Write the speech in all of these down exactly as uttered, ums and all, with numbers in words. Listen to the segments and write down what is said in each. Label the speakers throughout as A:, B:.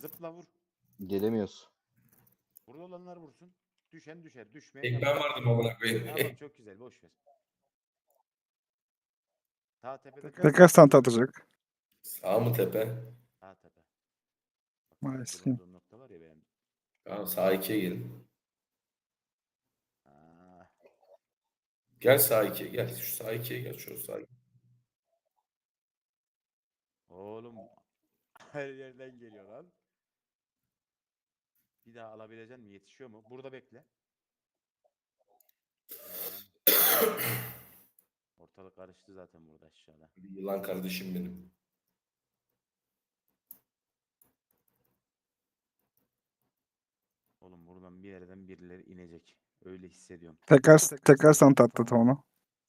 A: Zıpla vur.
B: Gelemiyoruz.
A: Burada olanlar vursun. Düşen düşer. Düşmeyen
C: Tek
A: yapar.
C: ben vardım amına koyayım.
A: Tamam çok güzel. Boş ver. Sağ tepede kal.
D: Tekrar stanta atacak.
C: Sağ mı tepe?
A: Sağ tepe. Bak,
D: Maalesef.
A: durduğum nokta var ya benim.
C: Tamam sağ ikiye gelin.
A: Aa,
C: Gel sağ ikiye gel. Şu sağ ikiye gel. Şu sağ ikiye.
A: oğlum her yerden geliyor lan. Bir daha alabilecek mi? Yetişiyor mu? Burada bekle. Tamam. Ortalık karıştı zaten burada aşağıda.
C: Yılan kardeşim benim.
A: Oğlum buradan bir yerden birileri inecek. Öyle hissediyorum.
D: Tekrar tekrar stanta attı Tona.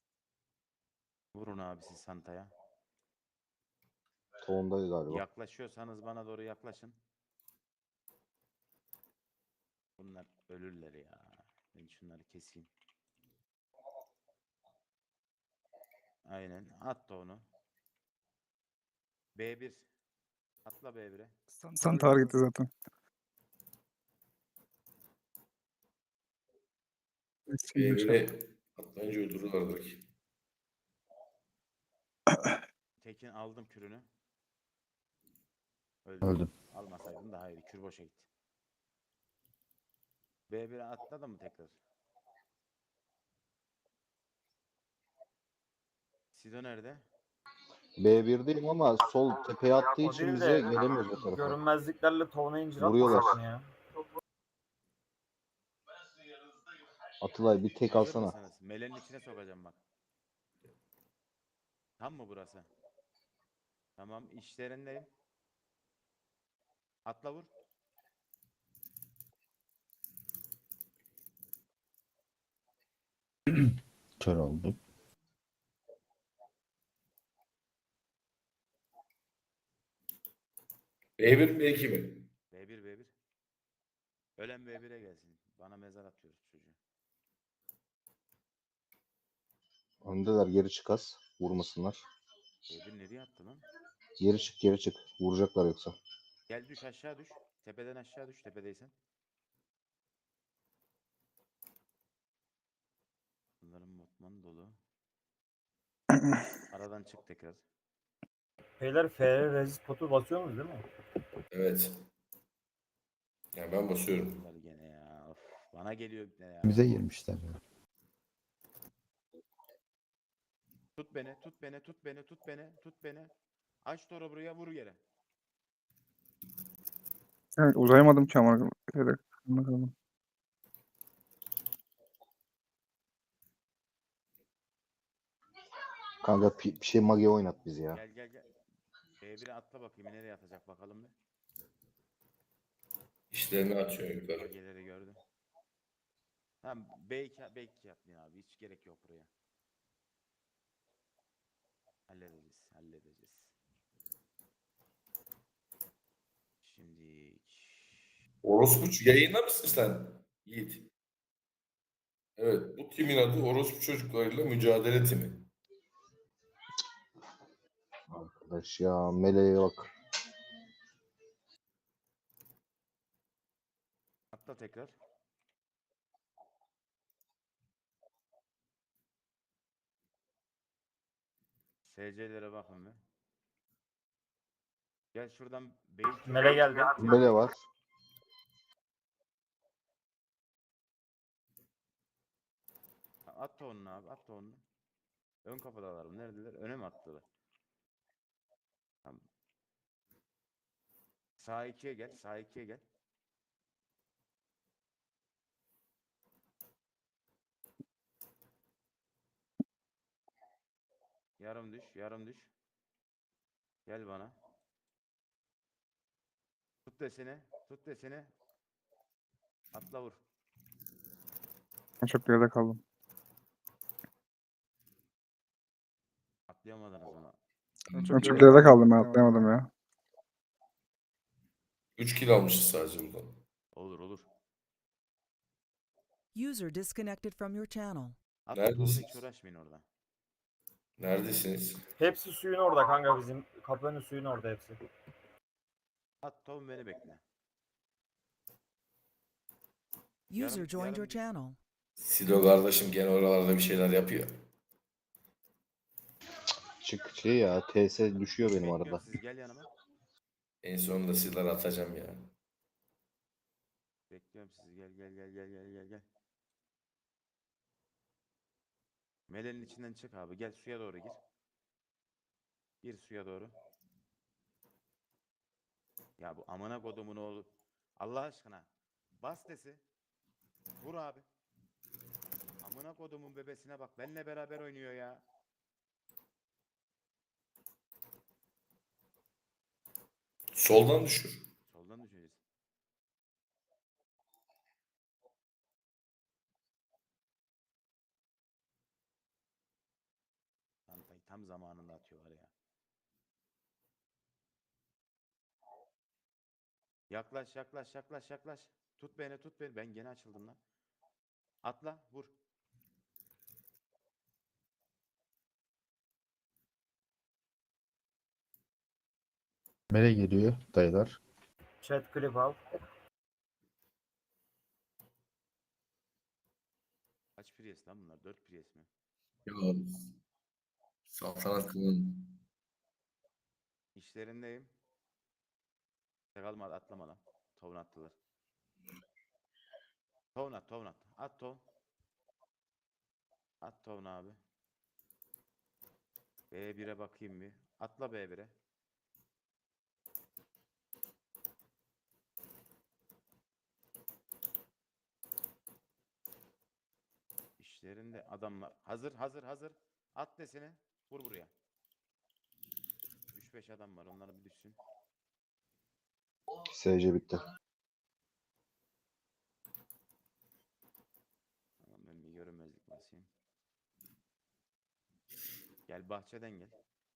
A: Vurun abisi Santa'ya.
B: Toğundayız galiba.
A: Yaklaşıyorsanız bana doğru yaklaşın. Bunlar ölürler ya. Ben şunları keseyim. Aynen. At da onu. B bir. Atla B bir'e.
D: Stanta var gitti zaten.
C: Böyle atlayınca öldürürler belki.
A: Tekin aldım kürünü. Öldü.
B: Öldüm.
A: Almasaydım daha iyiydi. Kür boşa gitti. B bir'e atladı mı tekrar? Sido nerede?
B: B bir'deyim ama sol tepeye attığı
E: O
B: için
E: değil
B: bize
E: de
B: gelemiyoruz o tarafa.
E: görünmezliklerle tovuna incir
B: Vuruyorlar.
E: atmasaydın ya.
B: Atılay bir tek
A: Hazır
B: alsana.
A: mısınız? Melenin içine sokacağım bak. Tam mı burası? Tamam işlerindeyim. Atla vur.
B: Kör olduk.
C: B bir mi B iki mi?
A: B bir B bir. Ölen B bir'e gelsin. Bana mezar atıyoruz çocuğu.
B: Öndeler, geri çıkas. Vurmasınlar.
A: B bir nereye attı lan?
B: Geri çık, geri çık. Vuracaklar yoksa.
A: Gel düş aşağı düş. Tepeden aşağı düş tepedeysen. Bunların botman dolu. Aradan çık tekrar.
E: Beyler F resist potu basıyorsunuz değil mi?
C: Evet. Ya ben basıyorum.
A: Bunlar gene ya. Of, bana geliyor ne ya.
B: Bize girmişler.
A: Tut beni, tut beni, tut beni, tut beni, tut beni. Aç doğru buraya vur yere.
D: Evet, uzayamadım ki ama. Evet, bakalım.
B: Kanka pi- bir şey mage oynat bizi ya.
A: Gel gel gel. B bir'e atla bakayım nereye atacak bakalım bir.
C: İşlerini açıyor yukarı.
A: Mageleri gördüm. Tamam B iki, B iki yapmayın abi. Hiç gerek yok buraya. Halledeceğiz, halledeceğiz. Şimdi
C: Orospu yayında mısın sen? Yiğit. Evet, bu timin adı Orospu Çocuklarıyla Mücadele Timi.
B: Arkadaş ya, meleğe bak.
A: atla tekrar. S C'lere bakın bir. Gel şuradan beyin
E: Mele geldi.
B: Mele var.
A: At onu abi, at onu. Ön kapıdalar. Neredeler? Öne mi attılar? Tamam. Sağ ikiye gel, sağ ikiye gel. Yarım düş, yarım düş. Gel bana. Tut desene, tut desene. Atla vur.
D: Ben çok geride kaldım.
A: Atlayamadınız ama.
D: Ben çok geride kaldım, ben atlayamadım ya.
C: üç kill almışız sadece buradan.
A: Olur olur.
F: User disconnected from your channel.
A: Atla Tolga, hiç
C: Neredesiniz?
A: uğraşmayın orada.
C: Neredesiniz?
E: Hepsi suyun orada kanka bizim. Kapının suyun orada hepsi.
A: At Tom beni bekle.
F: User
A: Yarım-
F: joined your
A: yarım-
F: channel.
C: Silo kardeşim gene oralarda bir şeyler yapıyor.
B: Çık şey ya T S düşüyor benim
A: Bekliyorum
B: arada.
A: sizi, gel yanıma.
C: En sonunda silahı atacağım ya.
A: Bekliyorum sizi, gel gel gel gel gel gel gel. Melenin içinden çık abi, gel suya doğru gir. Gir suya doğru. Ya bu amına kodumun oğlu. Allah aşkına. Bas desi. Vur abi. Amına kodumun bebesine bak. Benle beraber oynuyor ya.
C: Soldan düşür.
A: Soldan düşeceğiz. Çantayı tam zamanında atıyorlar ya. Yaklaş yaklaş yaklaş yaklaş. Tut beni tut beni. Ben gene açıldım lan. Atla vur.
G: Nereye geliyor dayılar?
E: Chat clip al.
A: Kaç Prius lan bunlar? dört Prius mi?
C: Ya saltanat kılın.
A: İşlerindeyim. Kalma atlama lan. Tovun attılar. Tovun at tovun at. At tovun. At tovun abi. B bire bakayım bir. Atla B bire. İşlerinde adamlar. Hazır hazır hazır. At desene. Vur buraya. üç beş adam var. Onları bir düşsün.
B: S C bitti.
A: Tamam, ben bir görünmezlik basayım. Gel bahçeden gel.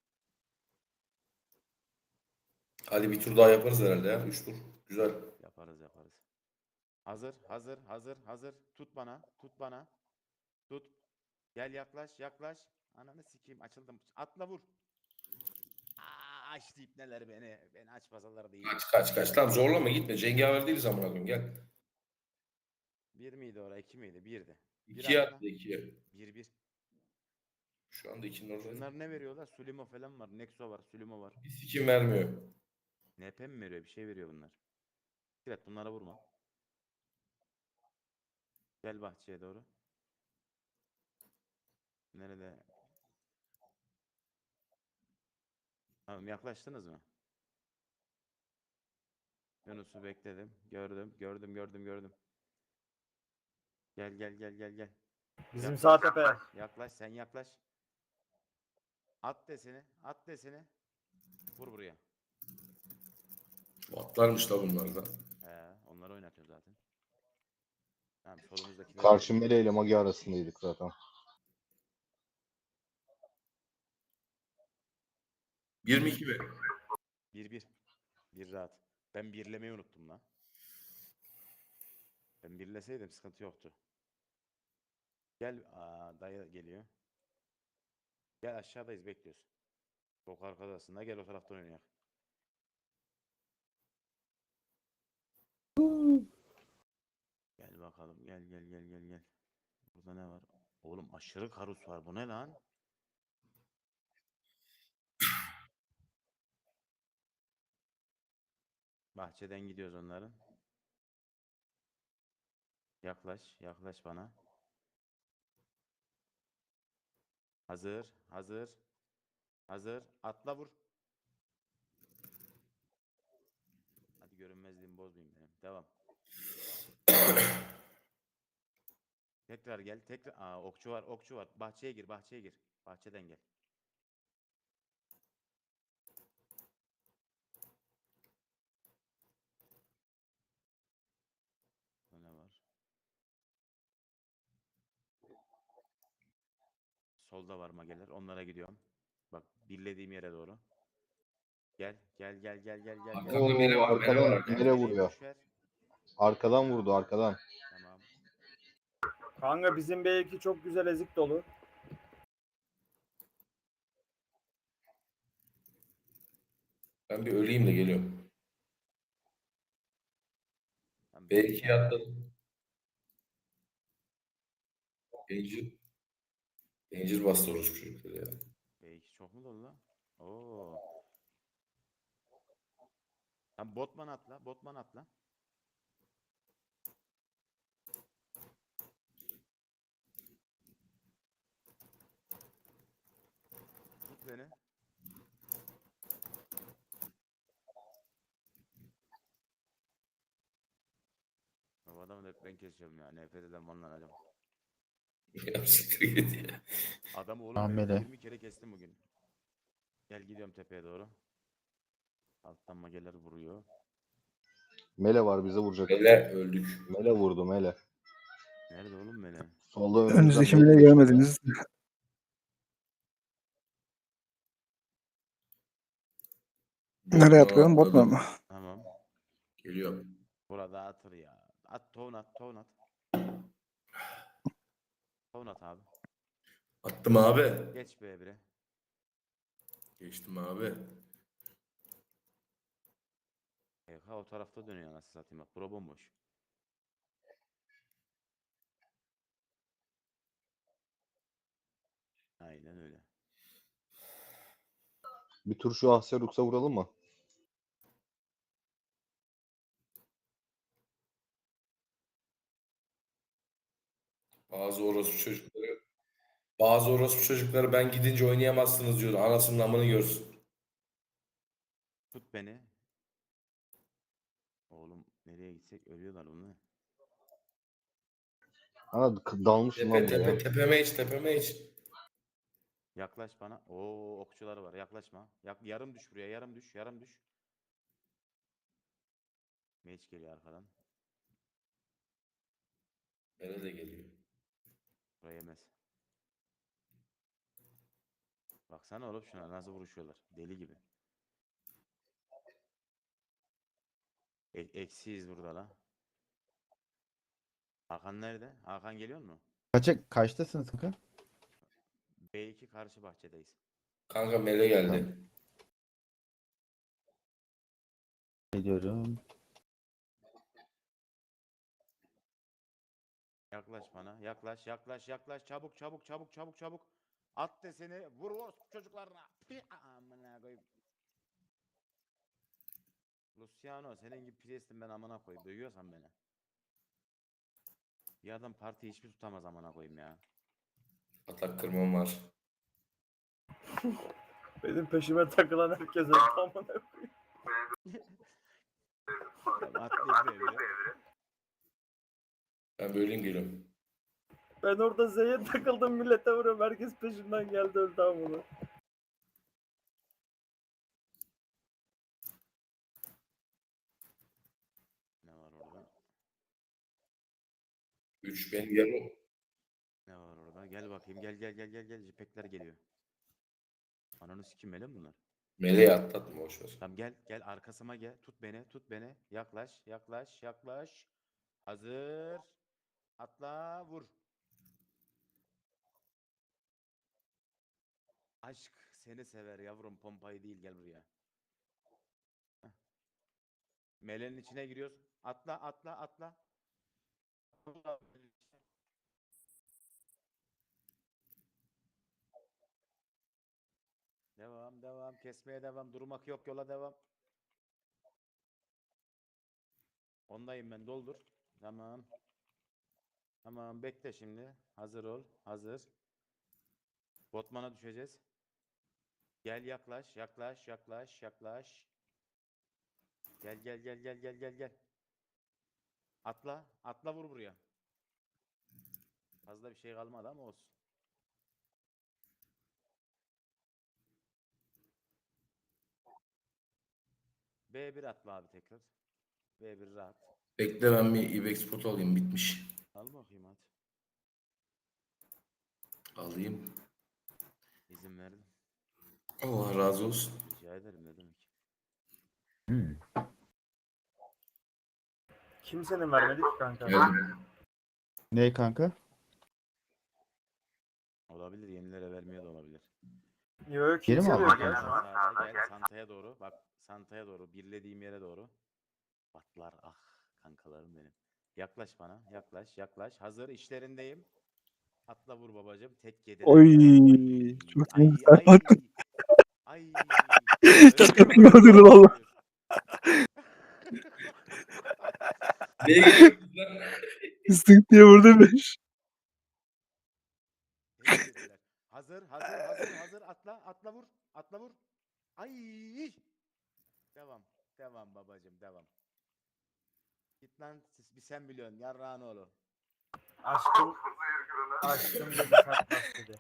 C: Hadi bir tur daha yaparız herhalde ya. Üç tur. Güzel.
A: Yaparız yaparız. Hazır hazır hazır hazır. Tut bana. Tut bana. Tut. Gel yaklaş yaklaş. Ananı sikeyim, açıldım. Atla vur. Aa, açtı ipneler beni. Beni aç pazalar değil.
C: Kaç kaç kaç. Tamam zorlama gitme. Cengaver değiliz amına koyayım gel.
A: Bir miydi orada? İki miydi? Birdi. Bir
C: İkiye
A: atla.
C: attı ikiye.
A: Bir bir.
C: Şu anda ikinin orada.
A: Bunlar ne veriyorlar? Sulimo falan var. Nexo var. Sulimo var.
C: Bir sikim vermiyor.
A: N P mi veriyor? Bir şey veriyor bunlar. Evet, bunlara vurma. Gel bahçeye doğru. Nerede? Tamam, yaklaştınız mı? Yunus'u bekledim. Gördüm. Gördüm gördüm gördüm. Gel gel gel gel gel.
E: Bizim
A: Yaklaş.
E: sağ tepe.
A: Yaklaş sen yaklaş. At deseni. At deseni. Vur buraya.
C: Atlarmış da bunlar da.
A: He, onları oynatıyor zaten. Tamam, solumuzdaki
B: Karşı Mele ile Magi arasındaydık zaten.
C: yirmi iki mi?
A: bir bir. Bir rahat. Ben birlemeyi unuttum lan. Ben birleseydim sıkıntı yoktu. Gel. Aa, dayı geliyor. Gel, aşağıdayız, bekliyoruz. Çok arkadasında, gel o taraftan oynayalım. Gel bakalım, gel gel gel gel gel. Burada ne var? Oğlum aşırı karus var, bu ne lan? Bahçeden gidiyoruz onların. Yaklaş, yaklaş bana. Hazır, hazır. Hazır. Atla vur. Hadi görünmezliğimi bozmayayım benim. Devam. Tekrar gel. Tekrar. Aa, okçu var, okçu var. Bahçeye gir, bahçeye gir. Bahçeden gel. Burada ne var? Solda var mageler. Onlara gidiyorum. Bak, birlediğim yere doğru. Gel, gel, gel, gel, gel, gel.
C: Arkamda
A: gel.
B: Oo,
C: Mele var. Mele var
B: arkadan
C: arkamda.
B: Mele vuruyor.
A: Boş ver.
B: Arkadan vurdu arkadan.
A: Tamam.
E: Kanka bizim B iki çok güzel ezik dolu.
C: Ben bir öleyim de geliyorum.
A: Tamam,
C: B
A: B
C: ikiye
A: iki
C: atladım. Danger. Danger bastı orospu çocukları ya.
A: B iki çok mu dolu lan? Oo. Tamam, Botman atla. Botman atla. Tut beni. Ya bu adamı da hep ben kesiyorum ya. Nefret eden ondan acaba.
C: Ya siktir git ya.
A: Adamı oğlum
G: Tamam,
A: ben
G: Mele.
A: yirmi kere kestim bugün. Gel gidiyorum tepeye doğru. Alttan mageler vuruyor.
B: Mele var bize vuracak.
C: Mele öldük.
B: Mele vurdu Mele.
A: Nerede oğlum Mele?
B: Solda önümüzden
D: Önünüzdeki
B: Mele
D: bile
B: geçti ya.
D: görmediniz. Nereye atlayalım? Botman mı?
A: Tamam.
C: Geliyorum.
A: Burada atır ya. At tohum at tohum at. Tohum at abi.
C: Attım abi.
A: Geç B bire.
C: Geçtim abi.
A: E K o tarafta dönüyor anasını satayım bak. Bura bomboş. Aynen öyle.
B: Bir tur şu Ahserux'a vuralım mı?
C: Bazı orospu çocukları bazı orospu çocukları ben gidince oynayamazsınız diyor. Anasının amını görsün.
A: Tut beni. Oğlum nereye gitsek ölüyorlar bunlar.
B: Ha k- dalmışım
C: Tepe
B: lan
C: tepe
B: buraya.
C: tepeme iç tepeme iç.
A: Yaklaş bana. Oo okçuları var. Yaklaşma. Yak yarım düş buraya. Yarım düş. Yarım düş. Mage geliyor arkadan.
C: Mele de geliyor.
A: Buraya yemez. Baksana oğlum şuna nasıl vuruşuyorlar. Deli gibi. E eksiyiz burada la. Hakan nerede? Hakan geliyor mu?
G: Kaça, kaçtasınız kanka?
A: B iki karşı bahçedeyiz.
C: Kanka Mele geldi.
G: Geliyorum.
A: Yaklaş bana. Yaklaş, yaklaş, yaklaş. Çabuk, çabuk, çabuk, çabuk, çabuk. At deseni. Vur vur çocuklarına. Pi- Amına koyayım. Luciano senin gibi priestim ben amına koyayım. Dövüyorsan beni. Bir adam parti hiçbir tutamaz amına koyayım ya.
C: Atak kırmam var.
E: Benim peşime takılan herkese tamam.
A: Tamam, atlayayım be bire.
C: Ben böleyim geliyorum.
E: Ben orada Z'ye takıldım millete vuruyorum. Herkes peşimden geldi öldü tamam.
A: Ne var orada?
C: üç benim yarım.
A: Ne var orada? Gel bakayım. Gel gel gel gel gel. Jipekler geliyor. Ananı sikim mele mi bunlar?
C: Meleği atlatma boşver.
A: Tamam gel gel arkasıma gel. Tut beni tut beni. Yaklaş yaklaş yaklaş. Hazır. Atla vur. Aşk seni sever yavrum pompayı değil gel buraya. Heh. Meleğin içine giriyoruz. Atla atla atla. Devam devam kesmeye devam. Durmak yok yola devam. Ondayım ben doldur. Tamam. Tamam bekle şimdi. Hazır ol. Hazır. Botman'a düşeceğiz. Gel yaklaş yaklaş yaklaş yaklaş. Gel gel gel gel gel gel gel. Atla. Atla vur buraya. Fazla bir şey kalmadı ama olsun. B bir atla abi tekrar. B bir rahat.
C: Bekle ben bir ibex spot alayım bitmiş.
A: Al bakayım hadi.
C: Alayım.
A: İzin verdim.
C: Allah razı olsun.
A: Rica ederim ne demek.
G: Hmm.
E: Kimsenin vermedi ki kanka.
C: Geldim.
G: Ne kanka?
A: Olabilir yenilere vermeye de olabilir.
E: Yok
G: Geri mi
E: kimse
G: aldın
E: yok
A: Gel
E: ya.
G: kanka?
A: sağda gel Santa'ya doğru. Bak Santa'ya doğru. Birlediğim yere doğru. Batlar ah kankalarım benim. Yaklaş bana. Yaklaş yaklaş. Hazır işlerindeyim. Atla vur babacım. Tek yediler
D: Oy.
A: ya.
D: Çok
A: Ay
D: güzel.
A: ay ay. Ay.
D: Çok
A: Öyle
D: iyi
A: bir-
D: oldu valla.
C: Neye geliyorsunuz lan?
D: Sık diye vurdu beş.
A: Tek yediler. Hazır hazır hazır hazır. Atla atla vur. Atla vur. Ay. Devam. Devam babacım devam. Git lan siz- bir sen biliyorsun yarrağın oğlu.
E: Aşkım, aşkım dedi satmaz dedi.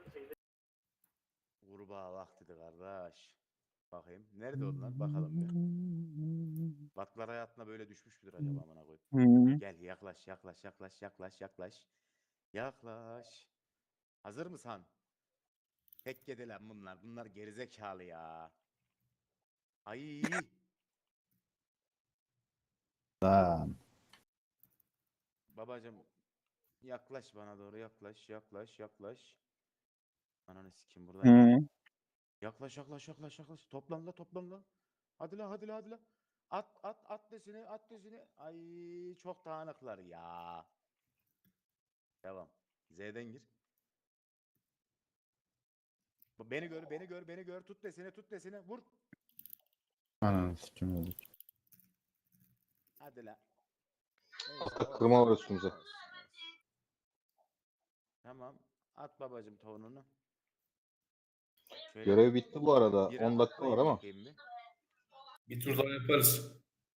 A: Kurbağa vaktidir kardeş. Bakayım. Nerede onlar? Bakalım bir. Batlar hayatına böyle düşmüş müdür acaba amına koyayım?
D: Hı.
A: Gel yaklaş yaklaş yaklaş yaklaş yaklaş. Yaklaş. Hazır mısın? Tek yedi lan bunlar. Bunlar gerizekalı ya. Ay.
G: Lan.
A: Babacım yaklaş bana doğru yaklaş yaklaş yaklaş. Ananı sikim buradayım.
D: Hı.
A: Yaklaş yaklaş yaklaş yaklaş. Toplan la toplan la. Hadi la hadi la hadi la. At at at desini at desini. Ay çok dağınıklar ya. Devam. Z'den gir. Bu beni gör beni gör beni gör. Tut desini tut desini. Vur.
G: Ananı sikim oldu.
A: Hadi la. Neyse, olsun,
B: Kırma var
A: olsun,
B: üstümüze.
A: olsun, olsun. Tamam. At babacım tavuğunu. Şöyle
B: Görev bitti bu arada.
A: bira
B: on dakika var
A: atlayın
B: ama.
A: bakayım bir.
C: Bir tur daha yaparız.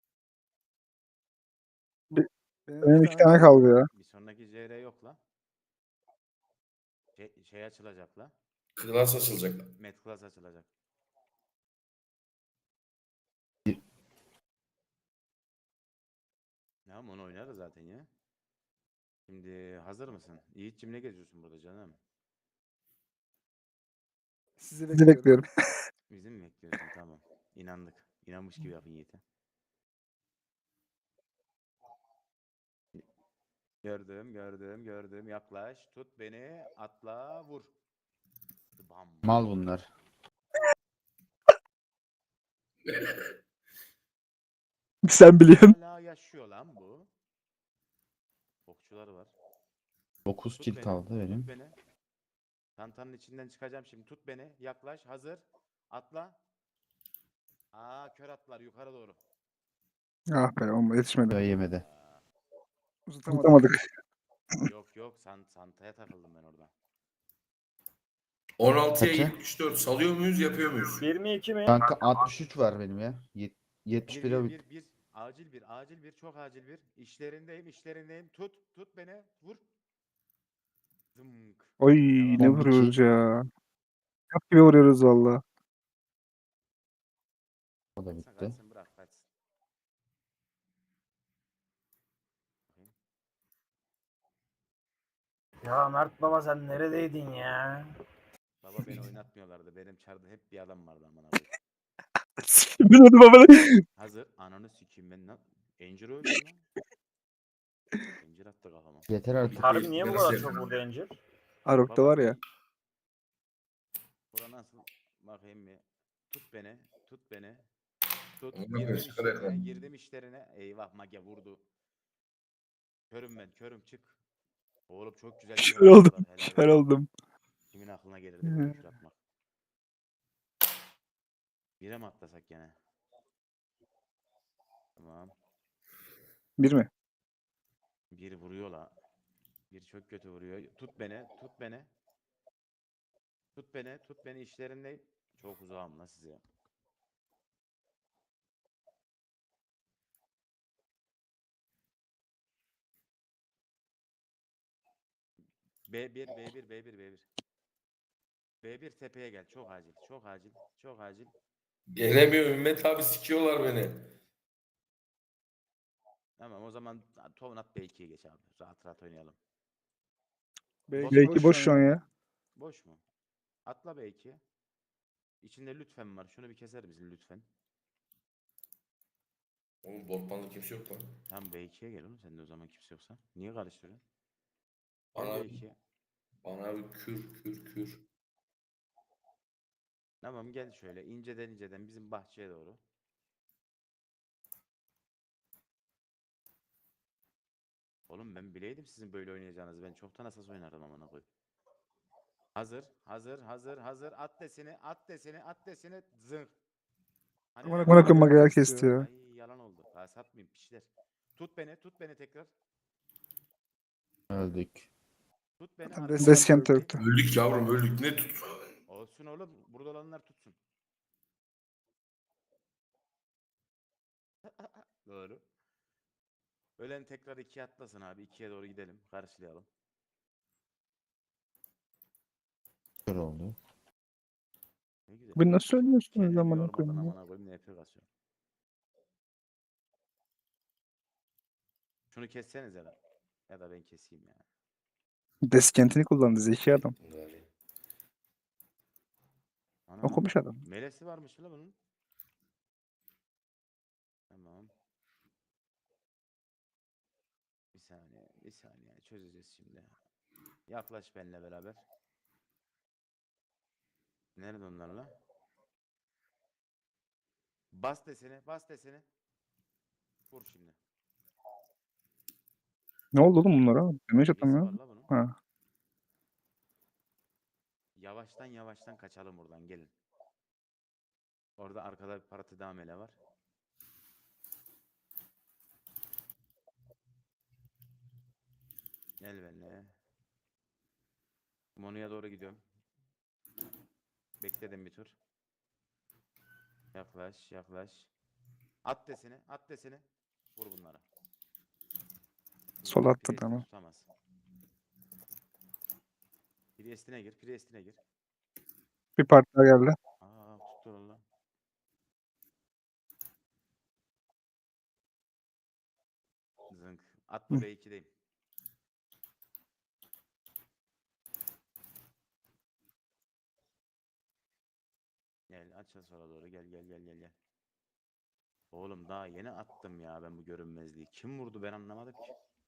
D: Benim iki tane kaldı ya.
A: Bir sonraki C R yok la. Şey, şey açılacak la.
C: Klas açılacak.
A: Met Class açılacak. Ya onu oynarız zaten ya. Şimdi hazır mısın? Yiğit'cim ne geziyorsun burada canım?
D: Sizi bekliyorum.
A: Bizi mi bekliyorsun? Tamam. İnandık. İnanmış gibi yapın Yiğit'e. Gördüm, gördüm, gördüm. Yaklaş, tut beni, atla, vur. Bam.
G: Mal bunlar.
D: Sen biliyorsun.
A: Hala yaşıyor lan bu. Okçular var.
G: dokuz
A: Tut
G: kill
A: beni,
G: kaldı
A: tut
G: benim.
A: beni. Çantanın içinden çıkacağım şimdi. Tut beni. Yaklaş. Hazır. Atla. Aa kör atlar yukarı doğru.
D: Ah be olma yetişmedi.
G: Ya yemedi.
A: Aa,
D: Tutamadık.
A: yok yok. Sant Santa'ya takıldım ben orada.
C: on altıya
G: Kaça?
C: yetmiş dört salıyor muyuz yapıyor muyuz?
E: Bir mi iki mi?
G: Kanka altmış üç var benim ya. Yet-
A: Bir
G: yetmiş bire
A: bir
G: bit.
A: bir bir. Acil bir acil bir çok acil bir. İşlerindeyim işlerindeyim. Tut tut beni. Vur. Zımk.
D: Oy
A: Devam.
D: ne
G: on bir
D: vuruyoruz
G: kill.
D: ya. Çok gibi vuruyoruz valla.
G: O da
A: Kaçsın
G: bitti.
A: kaçsın bırak kaçsın. Bakayım.
E: Ya Mert baba sen neredeydin ya?
A: Baba beni oynatmıyorlardı. Benim çarda hep bir adam vardı amına koyayım.
D: Biliyordum ama.
A: Hazır. Ananı sikeyim ben lan. Encir öldüm lan. Encir attı kafama.
G: Yeter artık.
E: Harbi niye bu
C: Nasıl
E: kadar çok
C: yapayım?
E: vurdu Encir?
D: Arok'ta
A: Baba
D: var ya.
A: bir- Bura nasıl? Bakayım bir. Tut beni. Tut beni. Tut.
C: Onu
A: Girdim
C: ben çıkar
A: işlerine.
C: yakalım.
A: Girdim işlerine. Eyvah mage vurdu. Körüm ben. Körüm çık. Oğlum çok güzel kör
D: Kör oldum.
A: attılar, helal
D: Kör
A: olsun.
D: oldum.
A: Kimin aklına gelirdi böyle kür atmak? Bire mi atlasak gene? Tamam.
D: Bir mi?
A: Bir vuruyor la. Bir çok kötü vuruyor. Tut beni. Tut beni. Tut beni. Tut beni işlerindeyim. Çok uzağım la size. B bir, B bir, B bir, B bir. B bir tepeye gel. Çok acil. Çok acil. Çok acil.
C: Gelemiyor Ümmet abi sikiyorlar beni.
A: Tamam o zaman Tovnat B ikiye geç abi. Rahat rahat oynayalım.
D: Belki boş şu an ya.
A: Boş mu? Atla B ikiye. İçinde lütfen var. Şunu bir keser misin lütfen?
C: Oğlum botmanda kimse yok lan.
A: Tamam B ikiye gel oğlum sen de o zaman kimse yoksa. Niye karıştırıyorsun?
C: Bana,
A: Gel B ikiye.
C: bana bir kür kür kür.
A: Tamam gel şöyle inceden inceden bizim bahçeye doğru. Oğlum ben bileydim sizin böyle oynayacağınızı. Ben çoktan asas oynardım amına koyayım. Hazır, hazır, hazır, hazır. At desini, at desini, at desini. Zırh. Hani
D: Amına
A: nerede?
D: koyayım Mage'ler kesti ya.
A: Ay yalan oldu. Daha satmayayım pişler. Tut beni, tut beni tekrar.
G: Öldük.
A: Tut beni.
D: Zaten
A: arkadan
D: Deskent
A: tut.
D: yoktu.
C: Öldük yavrum öldük. Ne tut?
A: Olsun oğlum. Burada olanlar tutsun. Doğru. Ölen tekrar ikiye atlasın abi. İkiye doğru gidelim. Karşılayalım.
G: Kör oldu.
A: Ne güzel.
D: Bu nasıl söylüyorsunuz
A: Kendimi
D: amına
A: yormadan
D: koyayım ya?
A: amına koyayım. N F kasıyorum. Şunu kessenize lan. Ya da ben keseyim ya.
D: Deskentini kullandı zeki adam.
C: Gari.
A: Ana,
D: Okumuş adam.
A: melesi varmış mı la bunun? Tamam. Bir saniye, bir saniye çözeceğiz şimdi. Yaklaş benimle beraber. Nerede onlarla? Bas desene, bas desene. Vur şimdi.
D: Ne oldu oğlum bunlara? Damage
A: Birisi
D: atamıyor.
A: var la bunun.
D: Ha.
A: Yavaştan yavaştan kaçalım buradan gelin. Orada arkada bir parati daha mele var. Gel benimle. Monu'ya doğru gidiyorum. Bekledim bir tur. Yaklaş, yaklaş. At desene, at desene. Vur bunlara.
D: Sol attı,
A: Priest'i
D: tamam.
A: tutamaz. Priest'ine gir, Priest'ine gir.
D: Bir parti daha geldi.
A: Aa, tuttur Allah. Zınk. At bu
D: Hı.
A: B ikideyim. Gel aç sola doğru gel gel gel gel gel. Oğlum daha yeni attım ya ben bu görünmezliği. Kim vurdu ben anlamadım ki.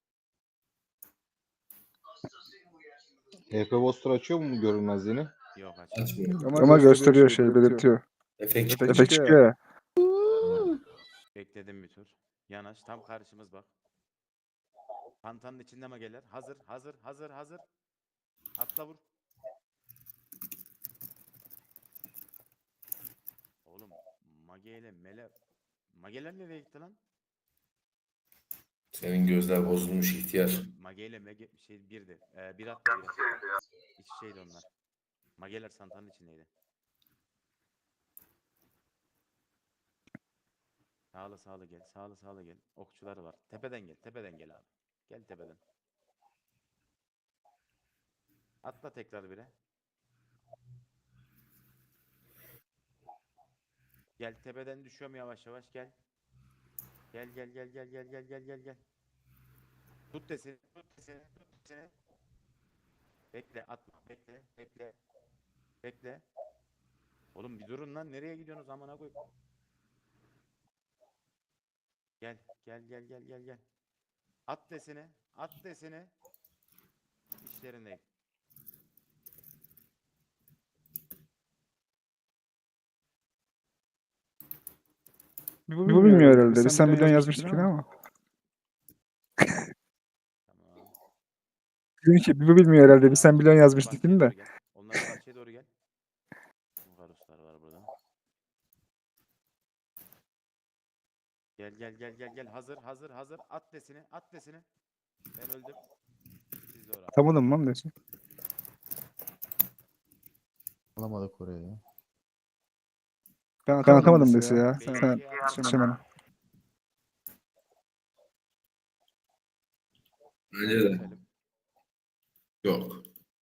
B: H P Buster açıyor mu görünmezliğini?
A: Yok aç.
C: Açmıyor.
D: Ama,
E: Ama
D: gösteriyor
E: gösteriyor
D: şey
E: şey,
D: belirtiyor.
C: Efekt çıktı.
D: Efekt çıkıyor ya.
A: Bekledim bir tur. Yanaş tam karşımız bak. Pantanın içinde mageler. Hazır hazır hazır hazır. Atla vur. Oğlum mage ile mele. Mageler nereye gitti lan?
C: Senin gözler bozulmuş ihtiyar.
A: Mage ile mege şey birdi. Ee, bir attı bir attı. İç şeydi onlar. Mageler santanın içindeydi. Sağlı sağlı gel. Sağlı sağlı gel. Okçuları var. Tepeden gel. Tepeden gel abi. Gel tepeden. Atla tekrar bire. Gel tepeden düşüyorum yavaş yavaş gel. Gel gel gel gel gel gel gel gel gel. Tut deseni, tut deseni, tut deseni. Bekle, atma, bekle, bekle. Bekle. Oğlum bir durun lan, nereye gidiyorsunuz amına koy. Gel, gel gel gel gel gel. At deseni, at deseni. İşlerindeyim.
D: Bu bilmiyor herhalde. Bir sen milyon yazmıştık yine ama.
A: Tamam.
D: Dedim ki bu bilmiyor herhalde. Bir sen milyon
A: Onlara
D: yazmıştık
A: bahçeye
D: yine de.
A: doğru gel. Onlara bahçeye doğru gel. Varuslar var burada. Gel gel gel gel gel. Hazır hazır hazır. At desini at desini. Ben öldüm. Siz de oraya.
D: Atamadım lan desin.
G: Alamadık oraya ya.
D: Ben atamadım desi ya.
A: Sen-
D: Sen şey bana.
C: Bence de.
A: Keselim.
C: Yok.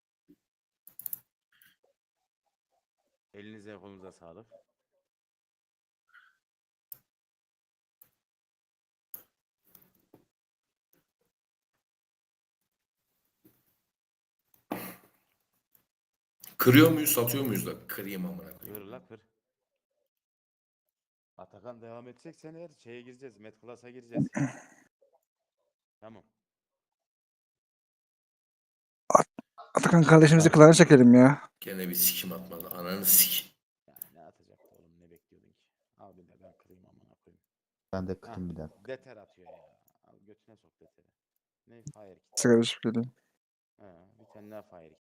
A: Elinize kolunuza sağlık.
C: Kırıyor muyuz satıyor muyuz da? Kırayım amına
A: Kır
C: koyayım.
A: la kır. Atakan devam edeceksen eğer şeye gireceğiz. Met Class'a gireceğiz. Tamam.
D: Atakan kardeşimizi kılana çekelim ya.
C: Gene bir sikim atmadı. Ananı sik.
A: Ya ne atacaktı oğlum ne bekliyordun ki? Al bir de ben kırayım amına koyayım.
G: Ben de
A: Hah,
G: kırayım bir dakika.
A: Deter atıyor ya. Al götüne sok deteri. Ne? Fire kit.
D: Sigara içip geleyim.
A: Ha, bir tane daha fire kit.